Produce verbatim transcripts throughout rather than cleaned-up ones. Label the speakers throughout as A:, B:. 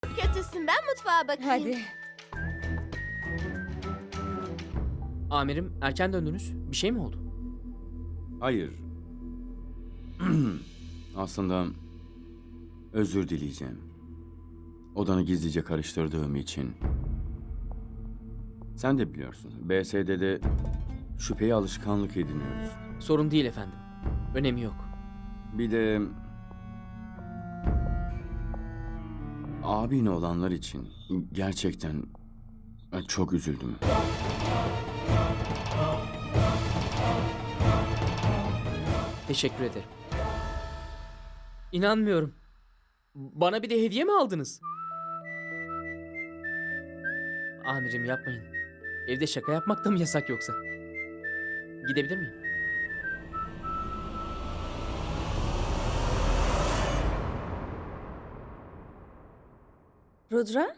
A: Kötüsün, ben mutfağa bakayım.
B: Hadi.
C: Amirim, erken döndünüz. Bir şey mi oldu?
D: Hayır. Aslında özür dileyeceğim. Odanı gizlice karıştırdığım için. Sen de biliyorsun. B S D'de şüpheye alışkanlık ediniyoruz.
C: Sorun değil efendim. Önemi yok.
D: Bir de abine olanlar için gerçekten çok üzüldüm.
C: Teşekkür ederim. İnanmıyorum. Bana bir de hediye mi aldınız? Amirim yapmayın. Evde şaka yapmak da mı yasak yoksa? Gidebilir miyim?
B: Rudra?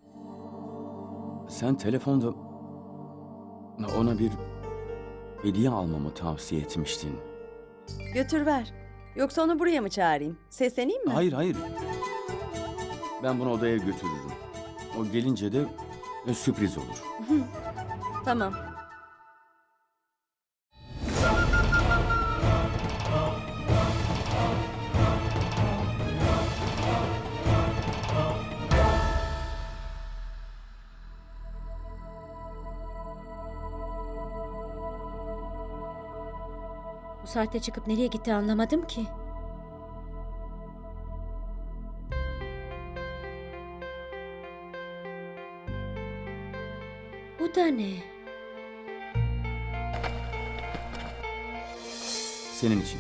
D: Sen telefonda ona bir hediye almamı tavsiye etmiştin.
B: Götür ver. Yoksa onu buraya mı çağırayım? Sesleneyim mi?
D: Hayır hayır. Ben bunu odaya götürürüm. O gelince de e, sürpriz olur.
B: Tamam.
E: Bu saatte çıkıp nereye gitti anlamadım ki. Bu da ne?
D: Senin için.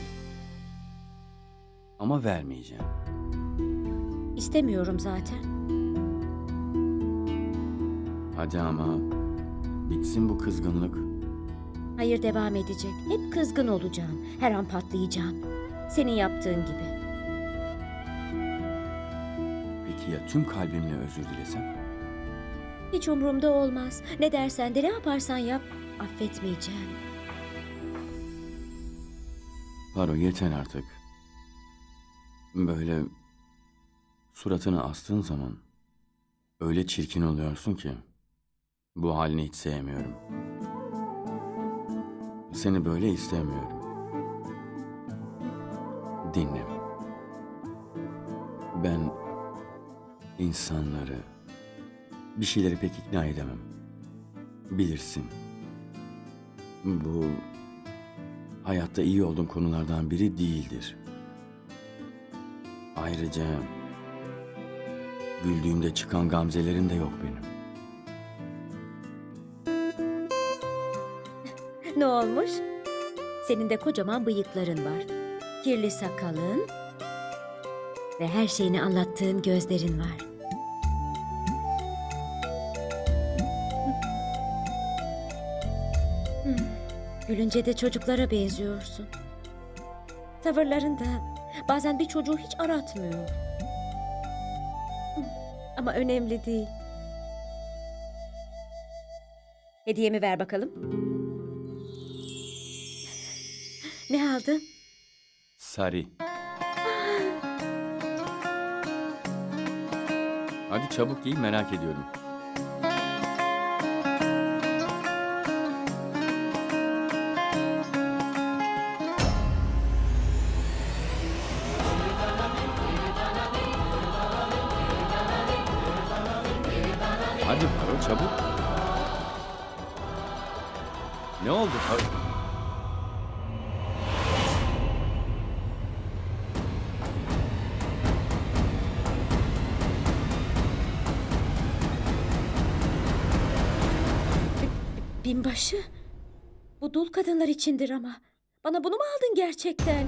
D: Ama vermeyeceğim.
E: İstemiyorum zaten.
D: Hadi ama bitsin bu kızgınlık.
E: Hayır, devam edecek. Hep kızgın olacağım. Her an patlayacağım. Senin yaptığın gibi.
D: Peki ya tüm kalbimle özür dilesem?
E: Hiç umurumda olmaz. Ne dersen de ne yaparsan yap. Affetmeyeceğim.
D: Paro yeter artık. Böyle suratını astığın zaman öyle çirkin oluyorsun ki bu halini hiç sevmiyorum. Seni böyle istemiyorum. Dinle. Ben insanları, bir şeyleri pek ikna edemem. Bilirsin. Bu hayatta iyi olduğum konulardan biri değildir. Ayrıca güldüğümde çıkan gamzelerim de yok benim.
E: Ne olmuş? Senin de kocaman bıyıkların var. Kirli sakalın ve her şeyini anlattığın gözlerin var. Hmm, Gülünce de çocuklara benziyorsun. Tavırların da bazen bir çocuğu hiç aratmıyor. Hmm, Ama önemli değil. Hediyemi ver bakalım. Ne aldın?
D: Sari. Hadi çabuk giy, merak ediyorum. Hadi Paro çabuk. Ne oldu Paro?
E: Binbaşı. Bu dul kadınlar içindir ama. Bana bunu mu aldın gerçekten?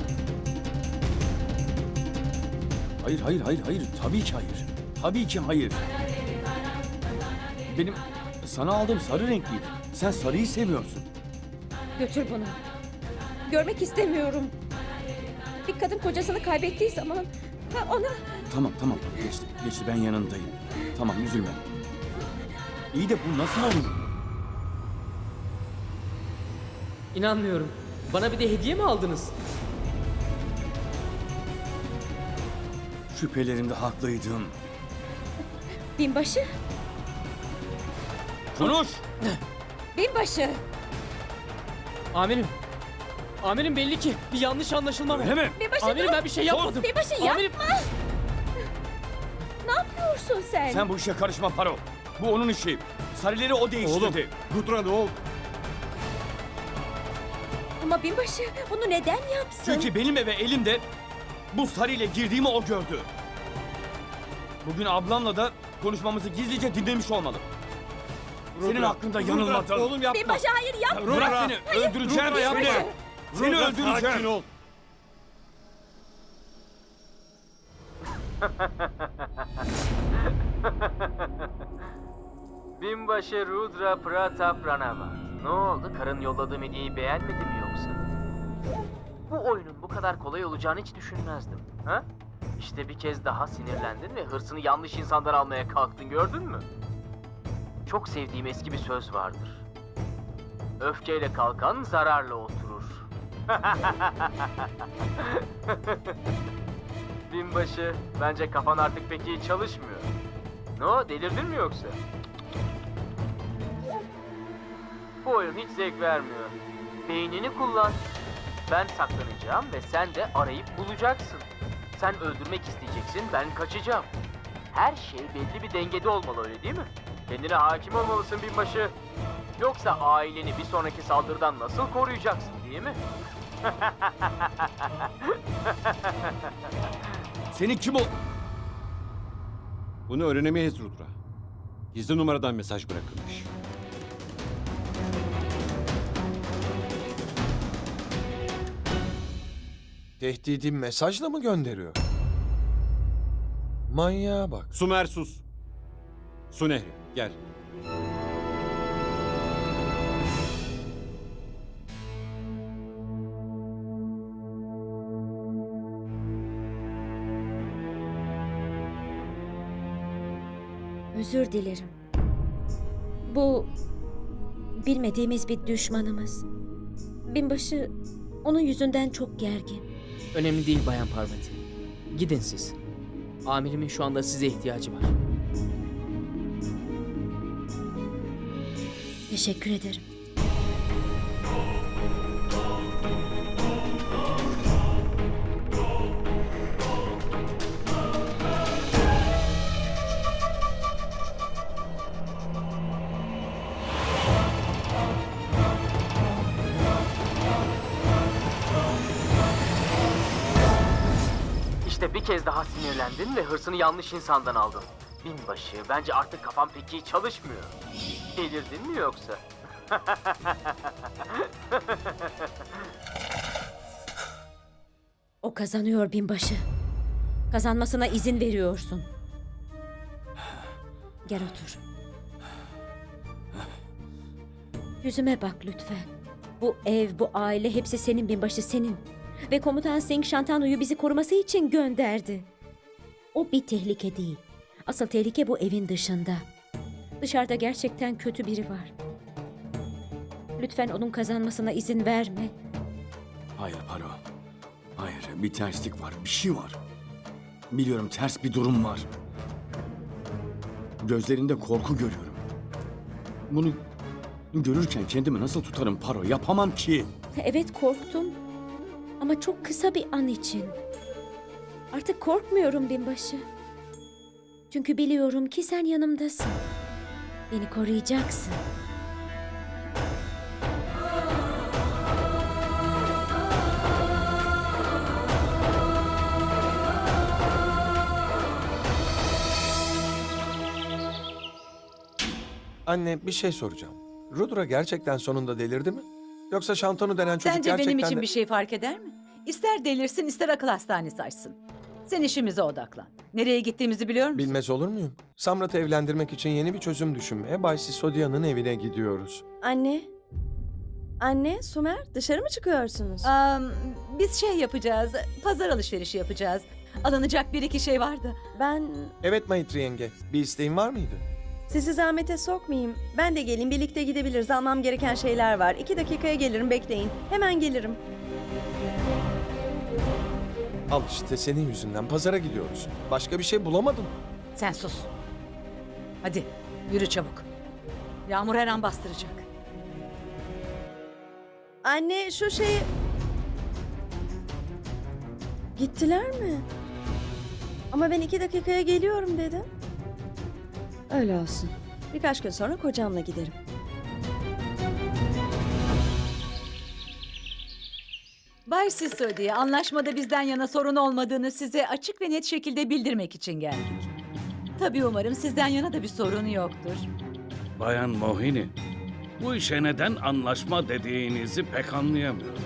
D: Hayır, hayır, hayır, hayır. Tabii ki hayır. Tabii ki hayır. Benim sana aldığım sarı renkliydi. Sen sarıyı seviyorsun.
E: Götür bunu. Görmek istemiyorum. Bir kadın kocasını kaybettiği zaman ha, ona...
D: Tamam, tamam. Geçti, geçti. Ben yanındayım. Tamam, üzülme. İyi de bu nasıl olur?
C: İnanmıyorum. Bana bir de hediye mi aldınız?
D: Şüphelerimde haklıydım.
E: Binbaşı,
D: Konuş!
E: binbaşı.
C: Amirim. Amirim belli ki bir yanlış anlaşılma var.
D: Öyle mi?
E: Binbaşı
C: Amirim
E: dur.
C: ben bir şey yapmadım.
E: Binbaşı yapma.
C: Amirim.
E: Ne yapıyorsun sen?
D: Sen bu işe karışma Paro. Bu onun işi. Sarileri o değiştirdi.
F: Rudra ne oldu?
E: Ama binbaşı bunu neden yapsın?
D: Çünkü benim eve elimde bu sarıyla girdiğimi o gördü. Bugün ablamla da konuşmamızı gizlice dinlemiş olmalı. Senin
F: Rudra,
D: hakkında
F: Rudra,
D: yanılmadım.
F: Oğlum yapma.
E: Binbaşı hayır yapma.
D: Bırak
F: Rudra,
D: beni. Öldüreceğim
F: Rudra,
D: seni.
F: yapma.
D: Seni
F: Rudra,
D: öldüreceğim.
F: sakin ol.
C: Binbaşı Rudra Pratap Ranava. Ne oldu? Karın yolladığı hediyeyi beğenmedi mi yoksa? Bu oyunun bu kadar kolay olacağını hiç düşünmezdim. Ha? İşte bir kez daha sinirlendin ve hırsını yanlış insandan almaya kalktın, gördün mü? Çok sevdiğim eski bir söz vardır. Öfkeyle kalkan zararla oturur. Binbaşı, bence kafan artık pek iyi çalışmıyor. Ne o, delirdin mi yoksa? Bu oyun hiç zevk vermiyor. Beynini kullan. Ben saklanacağım ve sen de arayıp bulacaksın. Sen öldürmek isteyeceksin, ben kaçacağım. Her şey belli bir dengede olmalı, öyle değil mi? Kendine hakim olmalısın binbaşı. Yoksa aileni bir sonraki saldırıdan nasıl koruyacaksın, değil mi?
D: Senin kim o?
F: Bunu öğrenemeyiz Rudra. Gizli numaradan mesaj bırakılmış.
G: Tehdidi mesajla mı gönderiyor? Manyağa bak.
F: Sumer sus. Su Nehri gel.
E: Özür dilerim. Bu bilmediğimiz bir düşmanımız. Binbaşı onun yüzünden çok gergin.
C: Önemli değil Bayan Parvati. Gidin siz. Amirimin şu anda size ihtiyacı var.
E: Teşekkür ederim.
C: İşte bir kez daha sinirlendin ve hırsını yanlış insandan aldın. Binbaşı, bence artık kafan pek iyi çalışmıyor. Delirdin mi yoksa?
E: O kazanıyor binbaşı. Kazanmasına izin veriyorsun. Gel otur. Yüzüme bak lütfen. Bu ev, bu aile hepsi senin binbaşı, senin. Ve komutan Singh Shantanu'yu bizi koruması için gönderdi. O bir tehlike değil. Asıl tehlike bu evin dışında. Dışarıda gerçekten kötü biri var. Lütfen onun kazanmasına izin verme.
D: Hayır Paro. Hayır, bir terslik var, bir şey var. Biliyorum, ters bir durum var. Gözlerinde korku görüyorum. Bunu görürken kendimi nasıl tutarım Paro? Yapamam ki.
E: Evet korktum. Ama çok kısa bir an için. Artık korkmuyorum binbaşı. Çünkü biliyorum ki sen yanımdasın. Beni koruyacaksın.
G: Anne bir şey soracağım. Rudra gerçekten sonunda delirdi mi? Yoksa Şantanu denen çocuk
H: Sence
G: gerçekten
H: benim için
G: de...
H: bir şey fark eder mi? İster delirsin ister akıl hastanesi açsın. Sen işimize odaklan. Nereye gittiğimizi biliyor musun?
G: Bilmez olur muyum? Samrat'ı evlendirmek için yeni bir çözüm düşünmeye Bay Sisodia'nın evine gidiyoruz.
B: Anne. Anne, Sumer dışarı mı çıkıyorsunuz?
H: Aa, biz şey yapacağız, pazar alışverişi yapacağız. Alınacak bir iki şey vardı.
B: Ben
G: Evet Maitri yenge, bir isteğin var mıydı?
B: sizi zahmete sokmayayım. Ben de gelin, birlikte gidebiliriz. Almam gereken şeyler var. İki dakikaya gelirim, bekleyin. Hemen gelirim.
G: Al işte senin yüzünden pazara gidiyoruz. Başka bir şey bulamadın.
H: Sen sus. Hadi yürü çabuk. Yağmur her an bastıracak.
B: Anne şu şeyi... Gittiler mi? Ama ben iki dakikaya geliyorum dedim. Öyle olsun. Birkaç gün sonra kocamla giderim.
H: Bay Sisodi, anlaşmada bizden yana sorun olmadığını size açık ve net şekilde bildirmek için geldik. Tabii umarım sizden yana da bir sorun yoktur.
I: Bayan Mohini, bu işe neden anlaşma dediğinizi pek anlayamıyorum.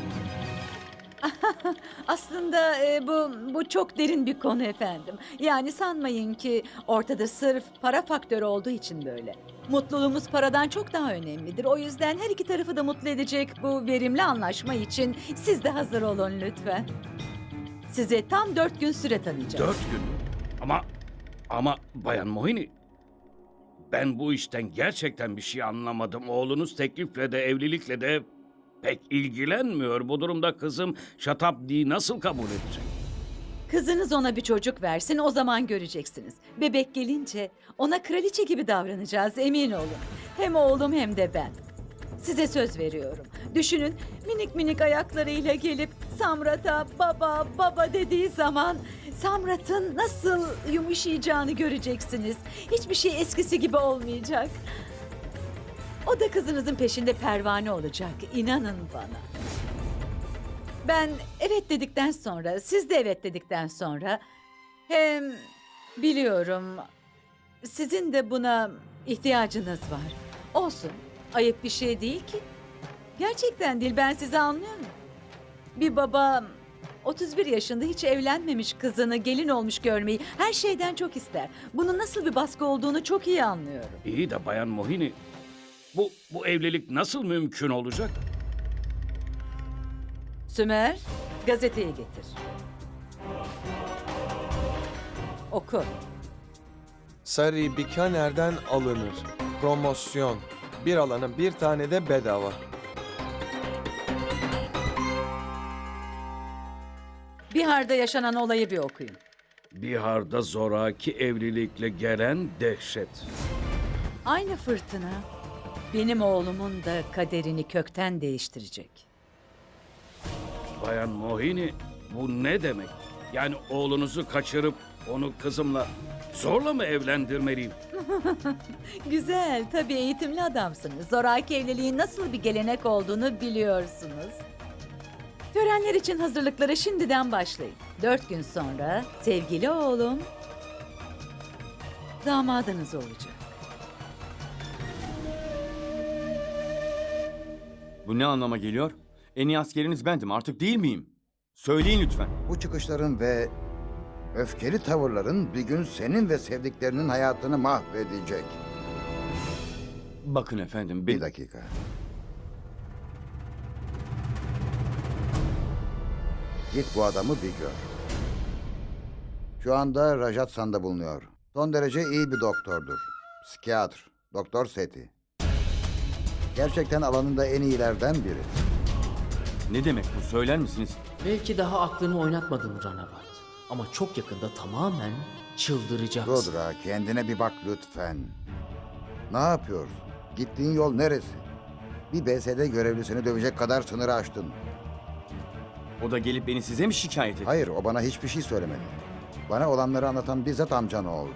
H: Aslında e, bu bu çok derin bir konu efendim. Yani sanmayın ki ortada sırf para faktörü olduğu için böyle. Mutluluğumuz paradan çok daha önemlidir. O yüzden her iki tarafı da mutlu edecek bu verimli anlaşma için siz de hazır olun lütfen. Size tam dört gün süre tanıyacağız.
I: Dört gün mü? Ama, ama Bayan Mohini, ben bu işten gerçekten bir şey anlamadım. Oğlunuz teklifle de evlilikle de pek ilgilenmiyor. Bu durumda kızım Şatabdi'yi nasıl kabul edecek?
H: Kızınız ona bir çocuk versin, o zaman göreceksiniz. Bebek gelince ona kraliçe gibi davranacağız, emin olun. Hem oğlum hem de ben. Size söz veriyorum. Düşünün, minik minik ayaklarıyla gelip Samrat'a baba baba dediği zaman Samrat'ın nasıl yumuşayacağını göreceksiniz. Hiçbir şey eskisi gibi olmayacak. O da kızınızın peşinde pervane olacak, inanın bana. Ben evet dedikten sonra, siz de evet dedikten sonra... Hem biliyorum sizin de buna ihtiyacınız var. Olsun, ayıp bir şey değil ki. Gerçekten değil, ben sizi anlıyorum. Bir baba otuz bir yaşında hiç evlenmemiş kızını gelin olmuş görmeyi her şeyden çok ister. Bunun nasıl bir baskı olduğunu çok iyi anlıyorum.
I: İyi de Bayan Mohini, bu, bu evlilik nasıl mümkün olacak?
H: Sümer, gazeteyi getir. Oku.
G: Sari Bikaner'den alınır. Promosyon. Bir alana bir tane de bedava.
H: Bihar'da yaşanan olayı bir okuyun.
I: Bihar'da zoraki evlilikle gelen dehşet.
H: Aynı fırtına benim oğlumun da kaderini kökten değiştirecek.
I: Bayan Mohini, bu ne demek? Yani oğlunuzu kaçırıp onu kızımla zorla mı evlendirmeliyim?
H: Güzel, tabii eğitimli adamsınız. Zoraki evliliğin nasıl bir gelenek olduğunu biliyorsunuz. Törenler için hazırlıklara şimdiden başlayın. Dört gün sonra sevgili oğlum damadınız olacak.
D: Bu ne anlama geliyor? En iyi askeriniz bendim, artık değil miyim? Söyleyin lütfen.
J: Bu çıkışların ve öfkeli tavırların bir gün senin ve sevdiklerinin hayatını mahvedecek.
D: Bakın efendim,
J: Bir
D: ben...
J: dakika. Git bu adamı bir gör. Şu anda Rajasthan'da bulunuyor. Son derece iyi bir doktordur. Psikiyatr, Doktor Seti. Gerçekten alanında en iyilerden biri.
D: Ne demek bu, söyler misiniz?
K: Belki daha aklını oynatmadın Ranavat. Ama çok yakında tamamen çıldıracaksın.
J: Rudra, kendine bir bak lütfen. Ne yapıyorsun? Gittiğin yol neresi? Bir B S D görevlisini dövecek kadar sınırı aştın.
D: O da gelip beni size mi şikayet etti?
J: Hayır, o bana hiçbir şey söylemedi. Bana olanları anlatan bizzat amcan oldu.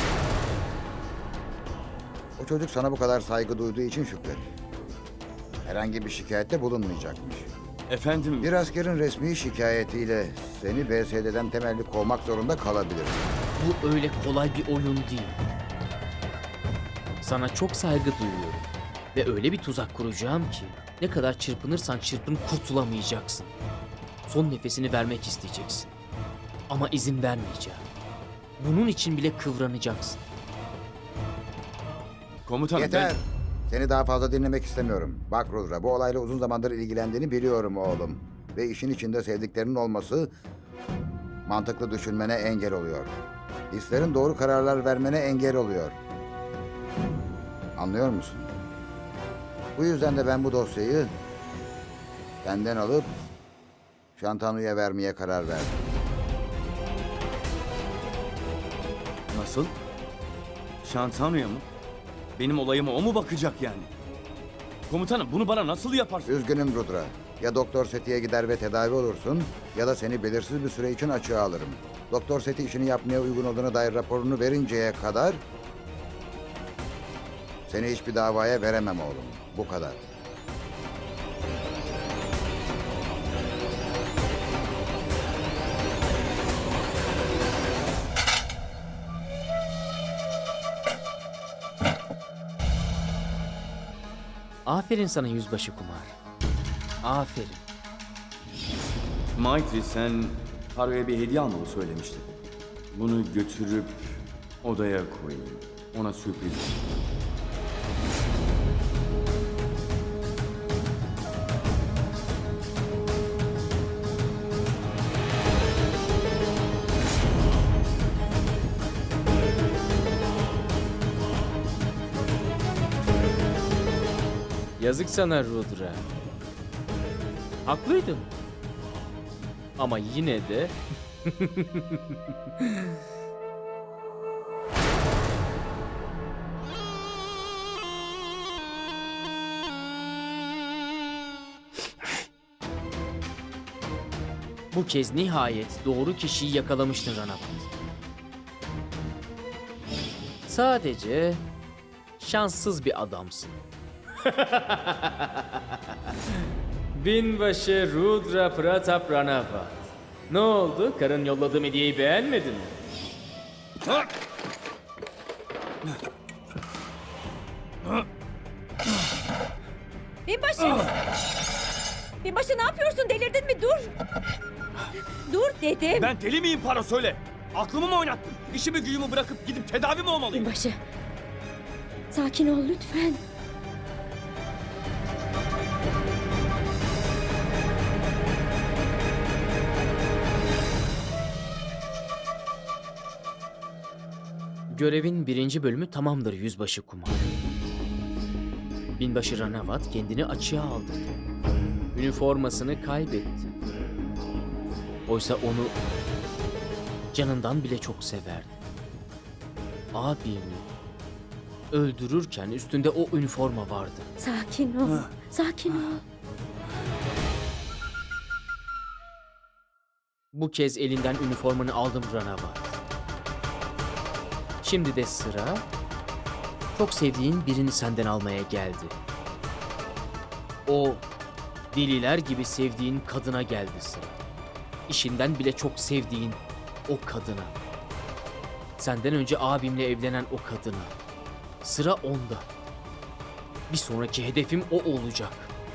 J: O çocuk sana bu kadar saygı duyduğu için şükret. Herhangi bir şikayette bulunmayacakmış.
D: Efendim...
J: Bir askerin resmi şikayetiyle seni B S D'den temelli kovmak zorunda kalabilir.
K: Bu öyle kolay bir oyun değil. Sana çok saygı duyuyorum. Ve öyle bir tuzak kuracağım ki ne kadar çırpınırsan çırpın kurtulamayacaksın. Son nefesini vermek isteyeceksin. Ama izin vermeyeceğim. Bunun için bile kıvranacaksın.
D: Komutanım
J: Yeter.
D: ben...
J: Seni daha fazla dinlemek istemiyorum. Bak Rudra, bu olayla uzun zamandır ilgilendiğini biliyorum oğlum. Ve işin içinde sevdiklerinin olması mantıklı düşünmene engel oluyor. Hislerin doğru kararlar vermene engel oluyor. Anlıyor musun? Bu yüzden de ben bu dosyayı senden alıp Şantanu'ya vermeye karar verdim.
D: Nasıl? Şantanu'ya mı? Benim olayıma o mu bakacak yani? Komutanım bunu bana nasıl yaparsın?
J: Üzgünüm Rudra. Ya Doktor Seti'ye gider ve tedavi olursun ya da seni belirsiz bir süre için açığa alırım. Doktor Seti işini yapmaya uygun olduğuna dair raporunu verinceye kadar seni hiçbir davaya veremem oğlum. Bu kadar.
K: Aferin sana yüzbaşı Kumar. Aferin.
D: Maitri sen Haru'ya bir hediye almamı söylemiştin. Bunu götürüp odaya koyayım. Ona sürpriz.
K: Yazık sana Rudra. Haklıydım. Ama yine de... Bu kez nihayet doğru kişiyi yakalamıştın Ranavat. Sadece şanssız bir adamsın. Binbaşı Rudra Pratap Ranavat. Ne oldu? Karın yolladığım hediyeyi beğenmedin mi?
E: Binbaşı! Binbaşı ne yapıyorsun? Delirdin mi? Dur! Dur dedim.
D: Ben deli miyim Paro söyle. Aklımı mı oynattın? İşimi gücümü bırakıp gidip tedavi mi olmalıyım?
E: Binbaşı. Sakin ol lütfen.
K: Görevin birinci bölümü tamamdır yüzbaşı Kumar. Binbaşı Ranavat kendini açığa aldı. Üniformasını kaybetti. Oysa onu canından bile çok severdi. Abimi öldürürken üstünde o üniforma vardı.
E: Sakin ol. Sakin ol.
K: Bu kez elinden üniformanı aldım Ranavat. Şimdi de sıra çok sevdiğin birini senden almaya geldi. O deliler gibi sevdiğin kadına geldi sıra. İşinden bile çok sevdiğin o kadına. Senden önce abimle evlenen o kadına. Sıra onda. Bir sonraki hedefim o olacak.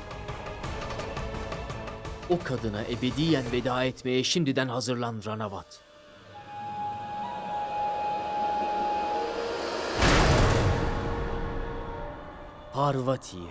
K: O kadına ebediyen veda etmeye şimdiden hazırlan Ranavat. Parvati'ye.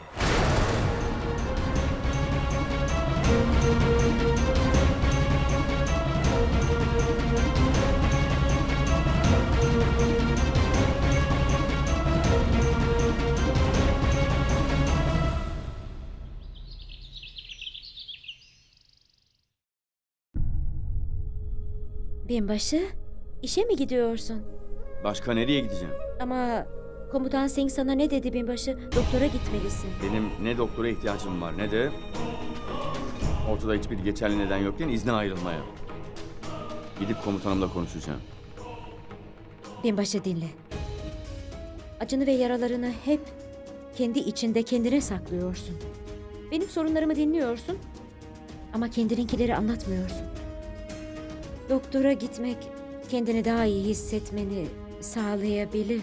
E: Binbaşı, işe mi gidiyorsun?
D: Başka nereye gideceğim?
E: Ama komutan Singh sana ne dedi binbaşı? Doktora gitmelisin.
D: Benim ne doktora ihtiyacım var ne de ortada hiçbir geçerli neden yokken izne ayrılmaya. Gidip komutanımla konuşacağım.
E: Binbaşı dinle. Acını ve yaralarını hep kendi içinde kendine saklıyorsun. Benim sorunlarımı dinliyorsun ama kendininkileri anlatmıyorsun. Doktora gitmek kendini daha iyi hissetmeni sağlayabilir.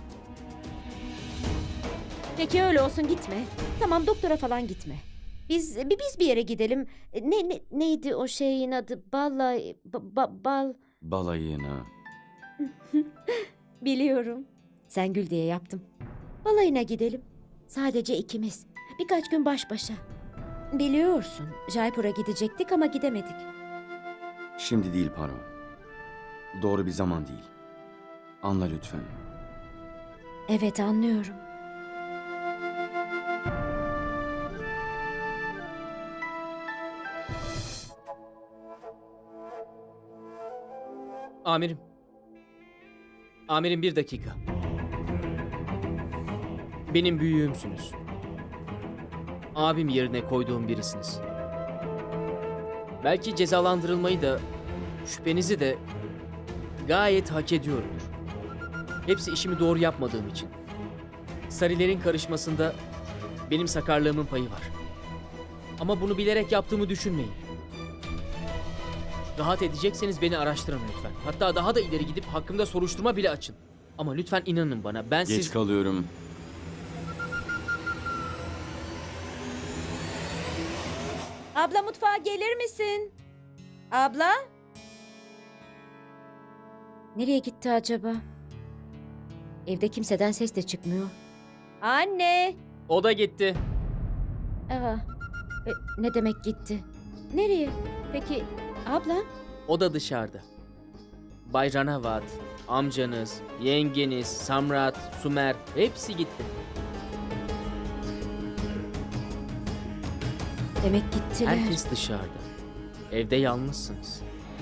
E: Peki öyle olsun, gitme. Tamam, doktora falan gitme. Biz bi- biz bir yere gidelim. Ne, ne neydi o şeyin adı? Balay ba- ba- bal.
D: Balayına.
E: Biliyorum. Sen gül diye yaptım. Balayına gidelim. Sadece ikimiz. Birkaç gün baş başa. Biliyorsun, Jaipur'a gidecektik ama gidemedik.
D: Şimdi değil Paro. Doğru bir zaman değil. Anla lütfen.
E: Evet, anlıyorum.
K: Amirim. Amirim bir dakika. Benim büyüğümsünüz. Abim yerine koyduğum birisiniz. Belki cezalandırılmayı da, şüphenizi de gayet hak ediyorumdur. Hepsi işimi doğru yapmadığım için. Sarilerin karışmasında benim sakarlığımın payı var. Ama bunu bilerek yaptığımı düşünmeyin. Rahat edecekseniz beni araştırın lütfen. Hatta daha da ileri gidip hakkımda soruşturma bile açın. Ama lütfen inanın bana. Ben
D: Geç
K: siz...
D: kalıyorum.
E: Abla mutfağa gelir misin? Abla? Nereye gitti acaba? Evde kimseden ses de çıkmıyor. Anne!
K: O da gitti.
E: Aa, e, ne demek gitti? Nereye? Peki abla?
K: O da dışarıda. Bay Ranavat, amcanız, yengeniz, Samrat, Sumer hepsi gitti.
E: Demek gittiler.
K: Herkes dışarıda. Evde yalnızsınız.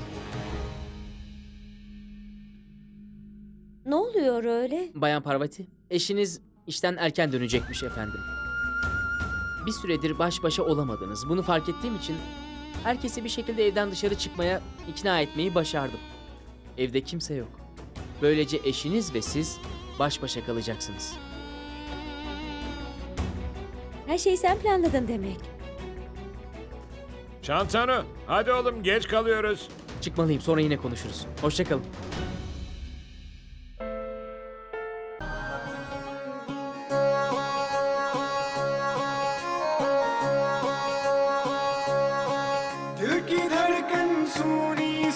E: Ne oluyor öyle?
K: Bayan Parvati, eşiniz işten erken dönecekmiş efendim. Bir süredir baş başa olamadınız. Bunu fark ettiğim için herkesi bir şekilde evden dışarı çıkmaya ikna etmeyi başardım. Evde kimse yok. Böylece eşiniz ve siz baş başa kalacaksınız.
E: Her şeyi sen planladın demek.
L: Şantanu, hadi oğlum geç kalıyoruz.
K: Çıkmalıyım, sonra yine konuşuruz. Hoşça kalın.